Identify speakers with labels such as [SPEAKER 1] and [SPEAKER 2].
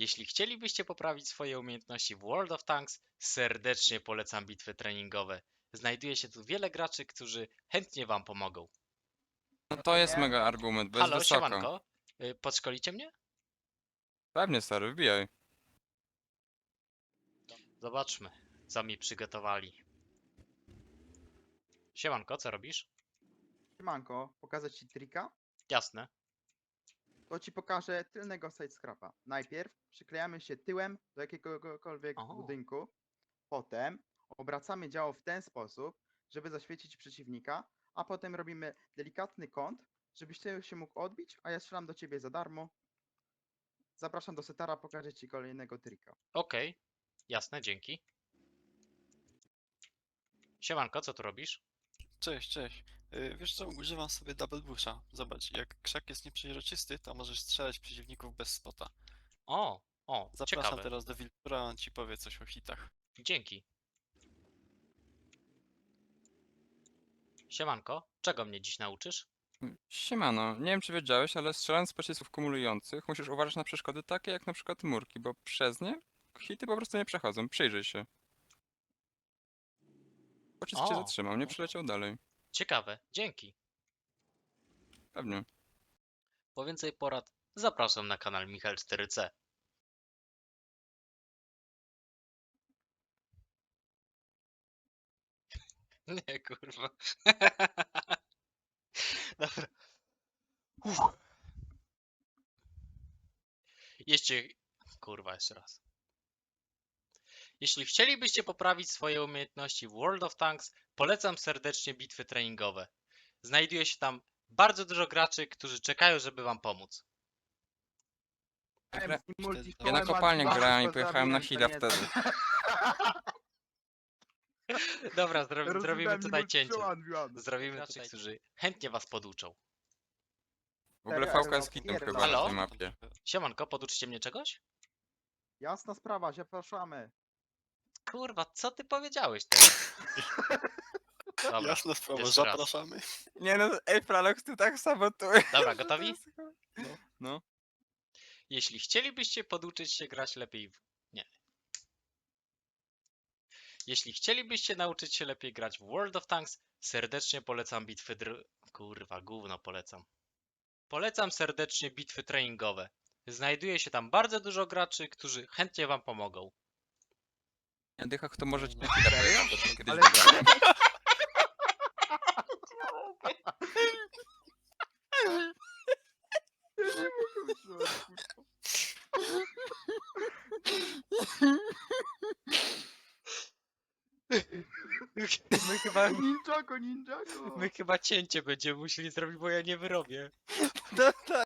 [SPEAKER 1] Jeśli chcielibyście poprawić swoje umiejętności w World of Tanks, serdecznie polecam bitwy treningowe. Znajduje się tu wiele graczy, którzy chętnie wam pomogą.
[SPEAKER 2] No to jest mega argument, bo jest
[SPEAKER 1] Halo,
[SPEAKER 2] wysoko.
[SPEAKER 1] siemanko. Podszkolicie mnie?
[SPEAKER 2] Pewnie, stary, wbijaj.
[SPEAKER 1] Zobaczmy, co mi przygotowali. Siemanko, co robisz?
[SPEAKER 3] Siemanko, pokazać ci trika?
[SPEAKER 1] Jasne.
[SPEAKER 3] To ci pokażę tylnego sidescrapa. Najpierw przyklejamy się tyłem do jakiegokolwiek
[SPEAKER 1] O.
[SPEAKER 3] budynku. Potem obracamy działo w ten sposób, żeby zaświecić przeciwnika, a potem robimy delikatny kąt, żebyś ty się mógł odbić, a ja strzelam do ciebie za darmo. Zapraszam do setara, pokażę ci kolejnego trika.
[SPEAKER 1] Okej, jasne, dzięki. Siemanko, co tu robisz?
[SPEAKER 4] Cześć, cześć. Wiesz co, używam sobie Double Busha. Zobacz, jak krzak jest nieprzeźroczysty, to możesz strzelać przeciwników bez spota.
[SPEAKER 1] O,
[SPEAKER 4] Zapraszam
[SPEAKER 1] ciekawe.
[SPEAKER 4] teraz do Wiltura, on ci powie coś o hitach.
[SPEAKER 1] Dzięki. Siemanko, czego mnie dziś nauczysz?
[SPEAKER 2] Siemano, nie wiem czy wiedziałeś, ale strzelając z pocisków kumulujących musisz uważać na przeszkody takie jak na przykład murki, bo przez nie hity po prostu nie przechodzą. Przyjrzyj się. Pocisk się
[SPEAKER 1] O.
[SPEAKER 2] zatrzymał, nie przeleciał dalej.
[SPEAKER 1] Ciekawe, dzięki.
[SPEAKER 2] Pewnie.
[SPEAKER 1] Po więcej porad zapraszam na kanał Michal 4C. Nie, kurwa. Dobra. Jeśli... Kurwa, jeszcze raz. Jeśli chcielibyście poprawić swoje umiejętności w World of Tanks, polecam serdecznie bitwy treningowe. Znajduje się tam bardzo dużo graczy, którzy czekają, żeby wam pomóc.
[SPEAKER 2] Ja na kopalnię grałem i pojechałem na Hida wtedy.
[SPEAKER 1] Dobra, zrobimy tutaj cięcie. Zrobimy
[SPEAKER 3] Graczy,
[SPEAKER 1] tutaj, którzy chętnie was poduczą.
[SPEAKER 2] W ogóle
[SPEAKER 3] Serio,
[SPEAKER 2] VK jest hitem chyba
[SPEAKER 1] Halo?
[SPEAKER 2] na tej mapie.
[SPEAKER 1] Siemanko, poduczycie mnie czegoś?
[SPEAKER 3] Jasna sprawa, zapraszamy.
[SPEAKER 1] Kurwa, co ty powiedziałeś teraz? Dobra,
[SPEAKER 4] Jasna sprawa,
[SPEAKER 1] jeszcze raz.
[SPEAKER 4] zapraszamy.
[SPEAKER 2] Nie no, ej Pralox, ty tak sabotujesz.
[SPEAKER 1] Dobra, gotowi?
[SPEAKER 2] No.
[SPEAKER 1] Jeśli chcielibyście poduczyć się grać lepiej w... Nie. Jeśli chcielibyście nauczyć się lepiej grać w World of Tanks, serdecznie polecam bitwy Kurwa, gówno polecam. Polecam serdecznie bitwy treningowe. Znajduje się tam bardzo dużo graczy, którzy chętnie wam pomogą.
[SPEAKER 2] Ja dychach to może ci
[SPEAKER 4] No.
[SPEAKER 2] na Hida pojechać, bo to kiedyś
[SPEAKER 3] Ale-
[SPEAKER 2] wygrałem.
[SPEAKER 1] My chyba,
[SPEAKER 3] Ninjago, ninjago!
[SPEAKER 1] my chyba cięcie będziemy musieli zrobić, bo ja nie wyrobię.
[SPEAKER 2] No tak.